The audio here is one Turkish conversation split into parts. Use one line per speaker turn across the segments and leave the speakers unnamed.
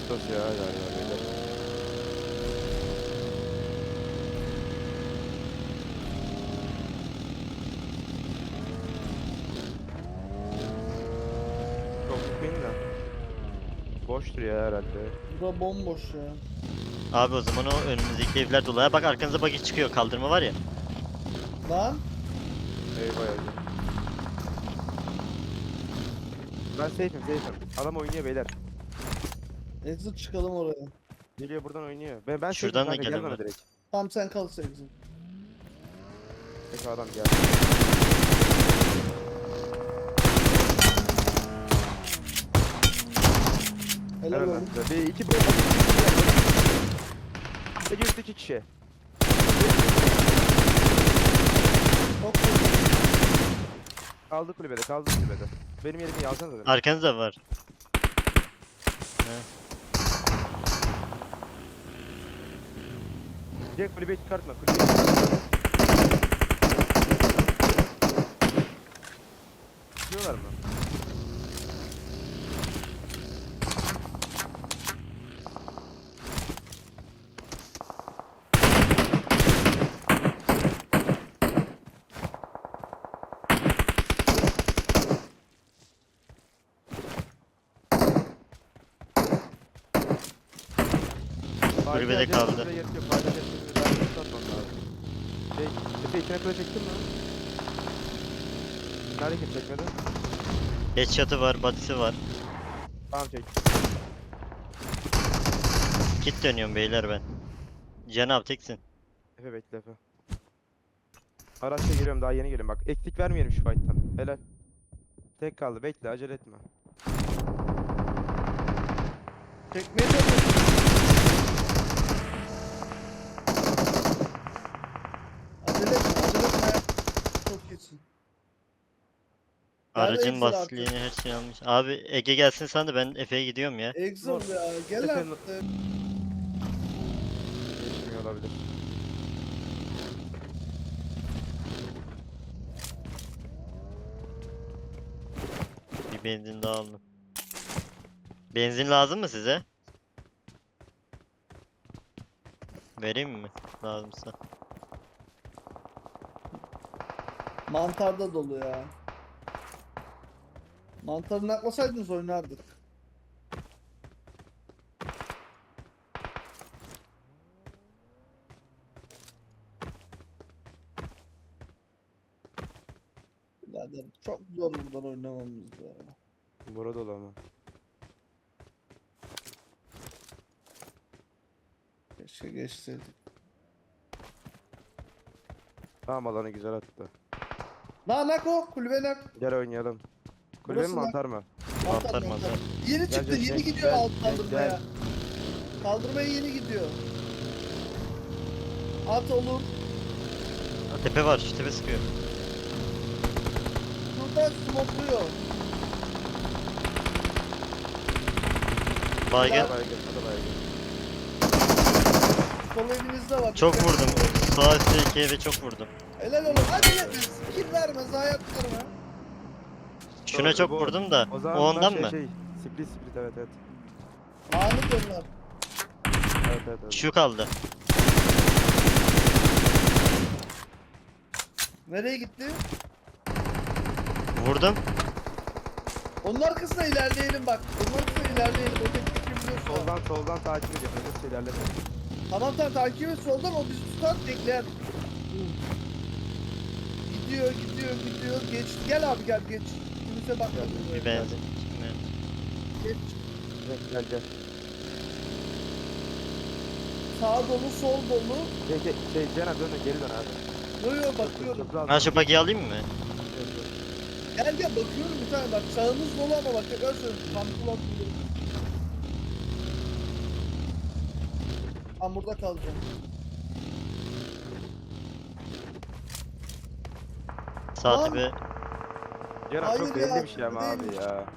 Tos ya galiba beyler. Çok sıkıyım da. Boştur ya herhalde.
Bura bomboş ya.
Abi o zaman o önümüzdeki evler dolu. Ha bak arkanıza bagi çıkıyor. Kaldırma var ya.
Lan
Eyvah eyvah. Ben safe'im. Adam oynuyor beyler.
exit çıkalım oraya.
Geliyor buradan oynuyor. Ben
Şuradan da
safe'im kanka, gel bana
gelemem.
direkt.
Tamam sen kal exit.
Peki adam gel.
Helal
Helal
olsun.
lan size. Bir iki böyle. Bir üstte iki kişi.
Çok iyi.
Kaldı kulübede. Benim yerimi yazsana da.
Arkanızda var.
Direkt kulübeyi çıkartma. Kulübeyi çıkartma. Çıkıyorlar mı?
Kulübede kaldı.
Efe içine kule çektin mi? Nerede kim çekmedi?
Headshot'ı var, body'si var.
Tamam çek.
Kit dönüyorum beyler ben. Cenab teksin.
Efe bekle Efe. Araçla geliyorum, daha yeni geliyorum bak. Eksik vermeyelim şu fight'tan. Helal. Tek kaldı, bekle, acele etme.
Çekmeye çalışıyorum. Acele etme. Çok iyisin. Nerede
Aracın
exit
basitliğini her şeyi almış. Abi Ege gelsin sen de ben Efe'ye gidiyorum ya.
Exit ya. Gel
Efendim?
artık.
Geçmiyor olabilir.
Bir benzin daha aldım. Benzin lazım mı size? Vereyim mi? Lazımsa.
Mantarda dolu ya. Mantarı naklasaydınız oynardık. Birader çok zor buradan oynamamız ya.
Burada dolu ama.
Keşke geçseydik.
Tamam, alanı güzel attı.
Nako kulübe nak.
Gel oynayalım. Kulübe mi
Burası
mantar mı?
Mantar, mantar.
Yeni çıktı,
Gel,
yeni
gel,
gidiyor
gel,
alt
gel,
kaldırmaya.
gel.
Kaldırmaya yeni gidiyor. At olur.
Tepe var, şu tepe sıkıyor.
Şurada smokluyor.
Baygın.
Hadi baygın, hadi baygın.
Sol evinizde var.
Çok
Dikkat.
vurdum. Sağ üstteki eve çok vurdum.
Helal oğlum. Hadi yetmez. Kill vermez. Hayat verme.
Şuna çok
Bu-
vurdum da.
O
O
zaman bunlar
ondan
şey,
mı?
Split, evet evet.
Anı dönler.
Evet.
Şu kaldı.
Nereye gitti?
Vurdum.
Onun arkasına ilerleyelim bak. Onun arkasına ilerleyelim. O tek biliyorsun.
Soldan takip ediyor. Öyle şeylerle.
Tamam takip et soldan o bizi tutar bekler. Gidiyor. Geç. Gel abi gel geç. Kimse bakmadı.
Bir benzin.
Geç.
Gel.
Sağ dolu sol dolu.
Cenab dön, geri dön abi.
Yo bakıyorum.
Çok rahat.
Ha şu bagiyi alayım mı?
Gel bakıyorum bir tane bak. Sağınız dolu ama bak tekrar söylüyorum. Tam kulak dolu. Ben burada kalacağım.
Sağ
Lan!
tepe.
Cenab
Hayır
çok
ya,
belli bir şey ama abi
değilmiş.
ya.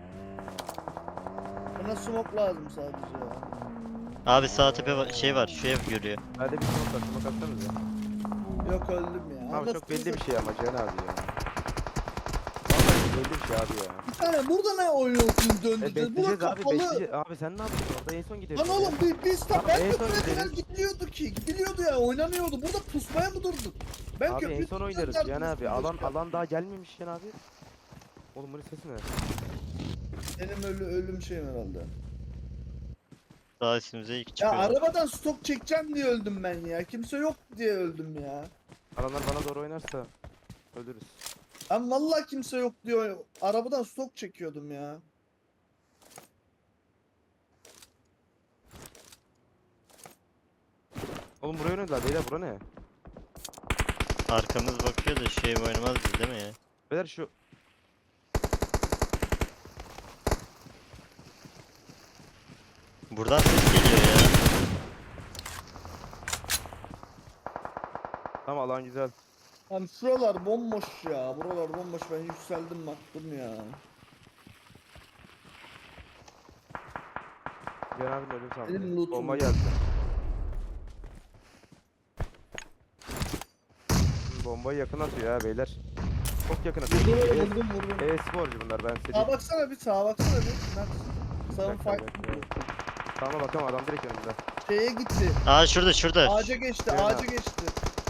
Bana smoke lazım sadece ya.
Abi sağ tepe şey var. Şu ev görüyor.
Hadi bir smoke atsanız ya.
Yok öldüm ya.
Abi çok
Anasını
belli bir
satayım.
şey ama Cenab abi ya. Vallahi belli bir şey abi ya.
Bir tane burada ne oynuyorsunuz döndüreceğiz? Bura
Bekleyeceğiz abi
kapalı.
bekleyeceğiz. Abi sen ne yaptın orada? En son gidiyoruz.
Lan oğlum biz
Tamam,
ben
en
de
son
buraya kadar
gideriz.
gidiliyordu ki. Gidiliyordu ya oynanıyordu. Burada pusmaya mı durduk? Ben
Abi en
köprüyü
son
tutacağım
oynarız
derdim
Cihan abi.
üstüne
Alan
başka.
alan daha gelmemiş Cihan abi. Oğlum bunun sesi ne?
Benim ölüm şeyim herhalde.
Daha üstümüze ilk
Ya
çıkıyor.
arabadan stok çekeceğim diye öldüm ben ya. Kimse yok diye öldüm ya.
Alanlar bana doğru oynarsa ölürüz.
Ben vallahi kimse yok diyor. Arabadan stok çekiyordum ya.
Oğlum buraya oynadılar beyler, bura ne?
Arkamız bakıyor da şey oynamaz biz değil mi ya?
Beyler şu
Buradan ses geliyor ya.
tamam alan güzel.
Lan şuralar bomboş ya. Buralar bomboş. Ben yükseldim baktım ya.
Cihan abinin ölüm
Benim
sandı.
lootum
Bomba
yok.
geldi. Bombayı yakın atıyor ya beyler. Çok yakın atıyor.
Vurdum.
E-sporcu bunlar, ben size
Sağa
diyeyim.
baksana bir sağa baksana bir. Sağın
dakika,
fight.
bir dakika. Tamam bakalım, adam direkt önümde.
Şeye gitti.
Aa şurada.
Ağaca geçti.
Şuraya
Ağaca
bak.
geçti.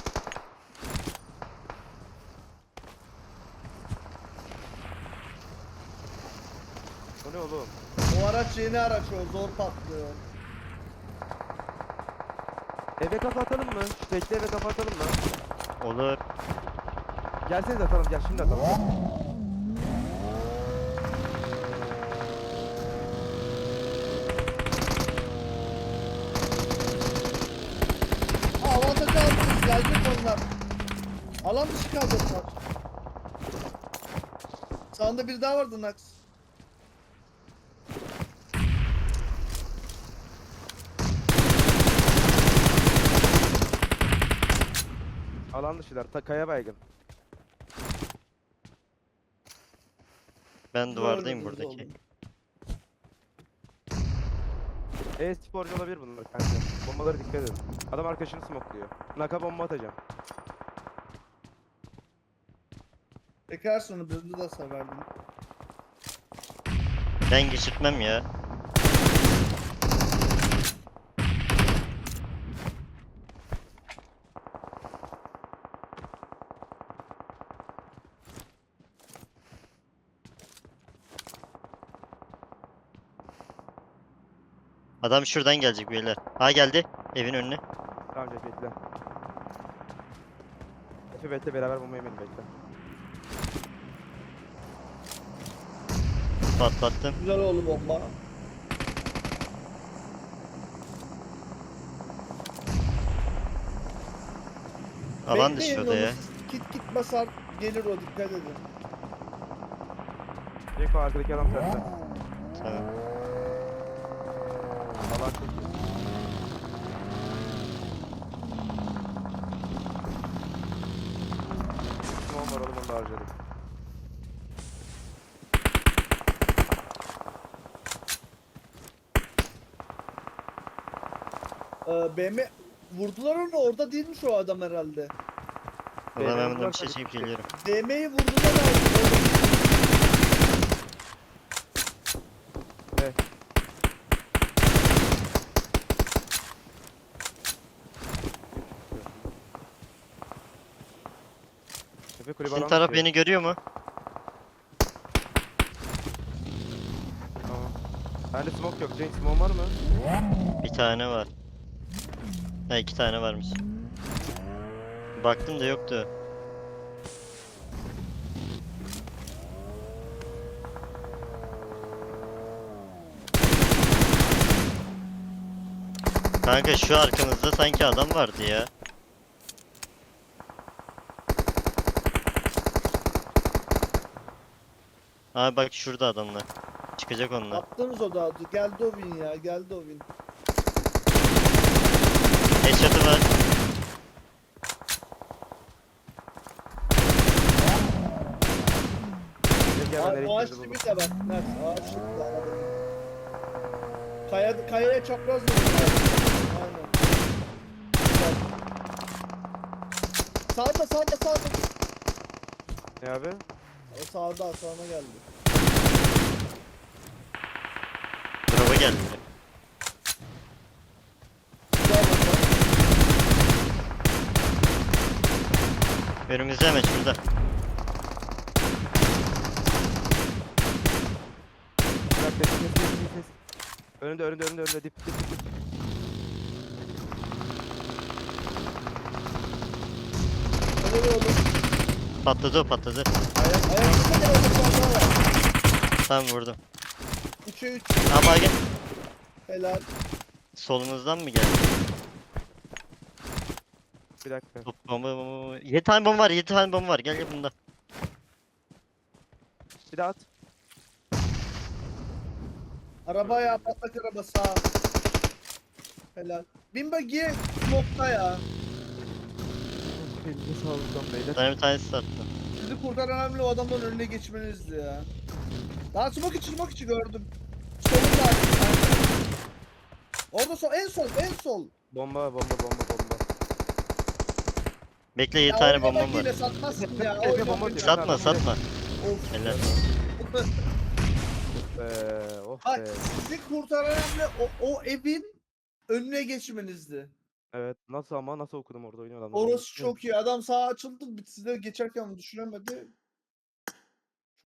O ne oğlum?
O araç yeni araç o. Zor patlıyor.
Eve kafa atalım mı? Şu tekli eve kafa atalım mı?
Olur.
Gelseniz atalım, gel şimdi atalım.
Avantajı aldınız. Gelecek onlar. Alan dışı kaldı onlar. Sağında bir daha vardı Nax.
Alan dışılar, kaya baygın.
Ben duvardayım
Gördünüz
buradaki.
oğlum.
E-sporcu olabilir bunlar kanka. Bombalara dikkat edin. Adam arkadaşını smokluyor. Naka bomba atacağım.
Tekrar sonra birini de severdim.
Ben geçirtmem ya. Adam şuradan gelecek beyler. Ha geldi. Evin önüne.
Tamam Jack bekle. Efe bekle, beraber bomba yemeyelim, bekle.
Patlattım.
Güzel oldu bomba.
Alan dışı
Bekleyin
şurada ya.
onu, Kit basar gelir o, dikkat edin.
Jack o arkadaki adam sende.
Tamam.
Alan çok iyi. Smoke var oğlum, onu da harcadık.
BM vurdular onu, orada değilmiş o adam herhalde.
O zaman ben
Beyler,
bundan bir şey
varsa
çekip
bir-
geliyorum.
BM'yi vurdular abi.
Evet. Efe kulübe
Sizin
alan
taraf
tutuyor.
beni görüyor mu?
Tamam. Bende smoke yok. Cenk smoke var mı?
Bir tane var. Ha 2 tane varmış. Baktım da yoktu. Kanka şu arkamızda sanki adam vardı ya. Abi bak şurada adamlar. Çıkacak onlar.
Attığımız o da geldi o win ya, geldi o win.
Headshot'ı var.
Gel gel, ben nereye
Ağaç
gittiğimizi
dibi
buldum.
de bak. Nerede? Ağaç dibi de arada. Kayaya çapraz vurdu. Aynen. Bak. Sağda.
Ne abi?
O sağına geldi.
Drop'a geldi.
Güzel bomba.
Önümüzde hemen şurada.
Bir dakika kes. Önünde dip.
Öyle bir oldu.
Patladı o patladı.
Ayakta bir oldu bomba var.
Tamam vurdum.
3'e 3.
Aa baygın.
Helal.
Solumuzdan mı geldi?
Bir dakika.
Top bomba. 7 tane bomba var 7 tane bomba var. Gel bunda.
Bir daha at.
Araba ya, patlak araba sağ. Helal. Bin buggy nokta ya.
Elinize sağlık lan beyler.
Sana bir tanesi sattı.
Sizi kurtaran önemli o adamdan önüne geçmenizdi ya. Daha smoke içi gördüm. Solunda artık. Orada en sol.
Bomba.
Bekle 7
Ya
tane
oyuna
bombam
bak
var.
yine satmazsın ya.
Efe
Oyuna
bomba
bak.
diyor.
Satma
Adam
satma.
Of.
Helal.
Oh
Bak
be.
sizi kurtaran önemli o evin önüne geçmenizdi.
Evet. Nasıl okudum orada oynuyor adamlar.
Orası çok iyi. Adam sağa açıldı. Size geçerken düşünemedi.